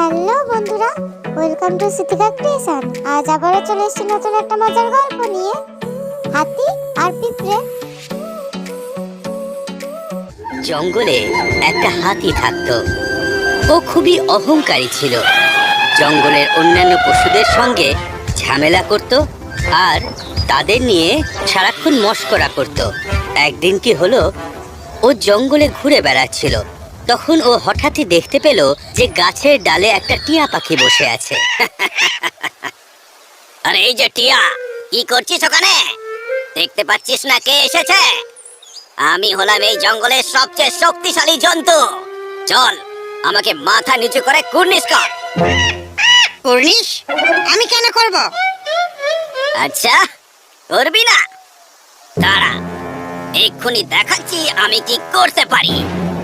Hello বন্ধুরা, welcome to সিতিকা creation. আজ আবারও চলে এসেছি নতুন একটা মজার গল্প নিয়ে, হাতি আর পিঁপড়ে। জঙ্গলে একটা হাতি থাকতো। ও খুবই অহংকারী ছিল। জঙ্গলের অন্যান্য পশুদের সঙ্গে ঝামেলা করত আর তাদের নিয়ে সারাক্ষণ মশকরা করত। একদিন কি হলো, ও জঙ্গলে ঘুরে বেড়াচ্ছিল। তখন ও হঠাৎই দেখতে পেল যে গাছের ডালে একটা টিয়া পাখি বসে আছে। আরে এই যে টিয়া, কি করছিস ওখানে? দেখতে পাচ্ছিস না কে এসেছে? আমি হলাম এই জঙ্গলের সবচেয়ে শক্তিশালী জন্তু। চল, আমাকে মাথা নিচু করে কুর্নিশ কর। কুর্নিশ? আমি কেন করব? আচ্ছা, করবি না? দাঁড়া, এক্ষুনি দেখাচ্ছি আমি কি করতে পারি।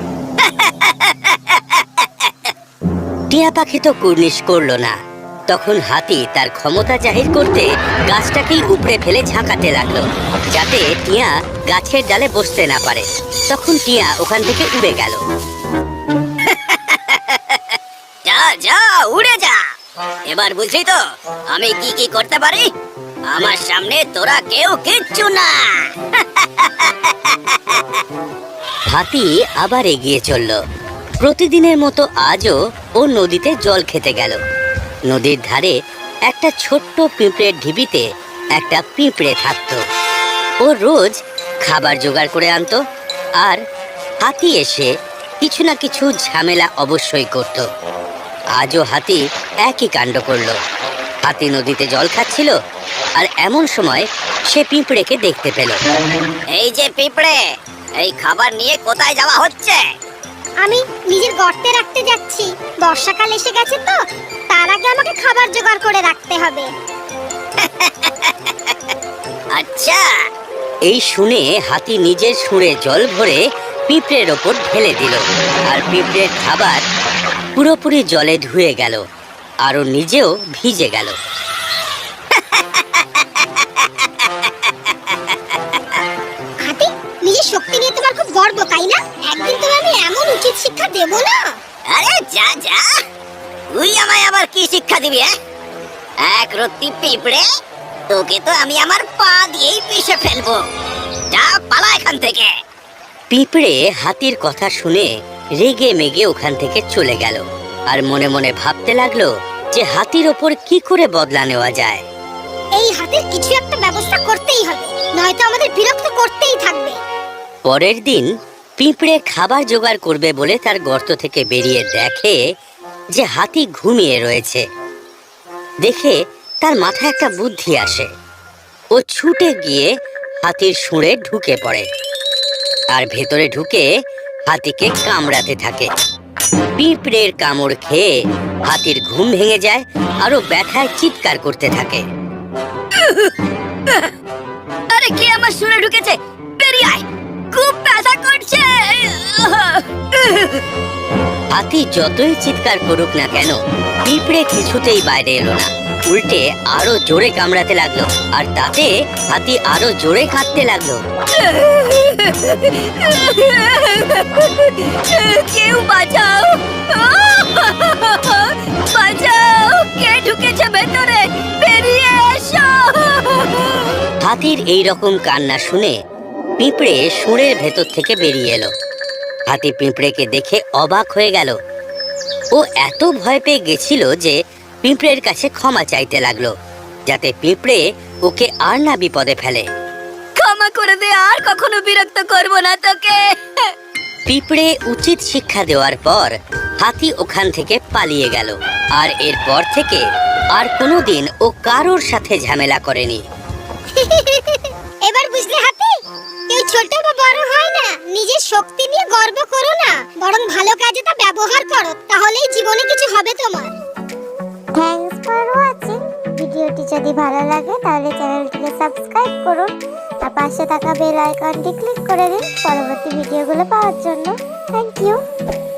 টিয়া পাখি তো কুর্নিশ করলো না। তখন হাতি তার ক্ষমতা জাহির করতে গাছটাকেই উপড়ে ফেলে ঝাঁকাতে লাগলো, যাতে টিয়া গাছের ডালে বসতে না পারে। তখন টিয়া ওখান থেকে উড়ে গেল। যা যা, উড়ে যা। এবার বুঝলি তো আমি কি কি করতে পারি? আমার সামনে তোরা কেউ কিচ্ছু না। হাতি আবার এগিয়ে চলল। প্রতিদিনের মতো আজও ও নদীতে জল খেতে গেল। নদীর ধারে একটা ছোট্ট পিঁপড়ের ঢিবিতে একটা পিঁপড়ে থাকতো। ও রোজ খাবার জোগাড় করে আনতো, আর হাতি এসে কিছু না কিছু ঝামেলা অবশ্যই করত। আজও হাতি একই কাণ্ড করলো। হাতি নদীতে জল খাচ্ছিল, আর এমন সময় সে পিঁপড়েকে দেখতে পেল। এই যে পিঁপড়ে, এই খাবার নিয়ে কোথায় যাওয়া হচ্ছে? আমি নিজের গর্তে রাখতে যাচ্ছি। বর্ষাকাল এসে গেছে তো, তার আগে আমাকে খাবার জোগাড় করে রাখতে হবে। আচ্ছা। এই শুনে হাতি নিজের সুরে জল ভরে পিঁপড়ের ওপর ঢেলে দিল, আর পিঁপড়ের খাবার পুরোপুরি জলে ধুয়ে গেল, আর ও নিজেও ভিজে গেল। হাতি, নিজের শক্তি নিয়ে তোমার খুব গর্ব, তাই না? একদিন তুমি আমি এমন উচিত শিক্ষা দেব না। আরে যা যা, তুই আমায় আবার কি শিক্ষা দিবি? এক রত্তি পিঁপড়ে, তোকে তো আমি আমার পা দিয়েই পিষে ফেলবো। যা, পালা এখান থেকে। পিঁপড়ে হাতির কথা শুনে রেগে মেগে ওখান থেকে চলে গেল, আর মনে মনে ভাবতে লাগলো যে হাতির ওপর কি করে বদলা নেওয়া যায়। এই হাতির কিছু একটা ব্যবস্থা করতেই হবে, নয়তো আমাদের বিরক্ত করতেই থাকবে। পরের দিন পিঁপড়ে খাবার জোগাড় করবে বলে তার গর্ত থেকে বেরিয়ে দেখে যে হাতি ঘুমিয়ে রয়েছে। দেখে তার মাথায় একটা বুদ্ধি আসে। ও ছুটে গিয়ে হাতির সুঁড়ে ঢুকে পড়ে, আর ভেতরে ঢুকে হাতিকে কামড়াতে থাকে। পিঁপড়ের কামড় খেয়ে হাতির ঘুম ভেঙে যায়, আর ও ব্যথায় চিৎকার করতে থাকে। আরে কে আমার সুঁড়ে ঢুকেছে? বেরিয়ে আয়, খুব ব্যথা করছে। হাতি যতই চিৎকার করুক না কেন, পিঁপড়ে কিছুতেই বাইরে এলো না। উল্টে আরো জোরে কামড়াতে লাগলো, আর তাতে হাতি আরো জোরে কাঁদতে লাগলো। কেউ বাঁচাও, বাঁচাও, কে ঢুকেছে ভেতরে, বেরিয়ে এসো। হাতির এই রকম কান্না শুনে পিঁপড়ে সুঁড়ের ভেতর থেকে বেরিয়ে এলো। হাতি পিঁপড়েকে দেখে অবাক হয়ে গেল। ও এত ভয় পেয়ে গেছিল যে পিঁপড়ের কাছে ক্ষমা চাইতে লাগলো, যাতে পিঁপড়ে ওকে আর না বিপদে ফেলে। ক্ষমা করে দে, আর কখনো বিরক্ত করব না তোকে। পিঁপড়ে উচিত শিক্ষা দেওয়ার পর হাতি ওখান থেকে পালিয়ে গেল, আর এরপর থেকে আর কোনোদিন ও কারোর সাথে ঝামেলা করেনি। এবার বুঝলে হাতি, কেউ ছোট বা বড় হয় না। নিজের শক্তি নিয়ে গর্ব করো না, বরং ভালো কাজে তা ব্যবহার করো, তাহলেই জীবনে কিছু হবে তোমার। Thanks for watching. ভিডিওটি যদি ভালো লাগে তাহলে চ্যানেলটিকে সাবস্ক্রাইব করুন, আর পাশে থাকা বেল আইকনটি ক্লিক করে দিন পরবর্তী ভিডিওগুলো পাওয়ার জন্য। Thank you.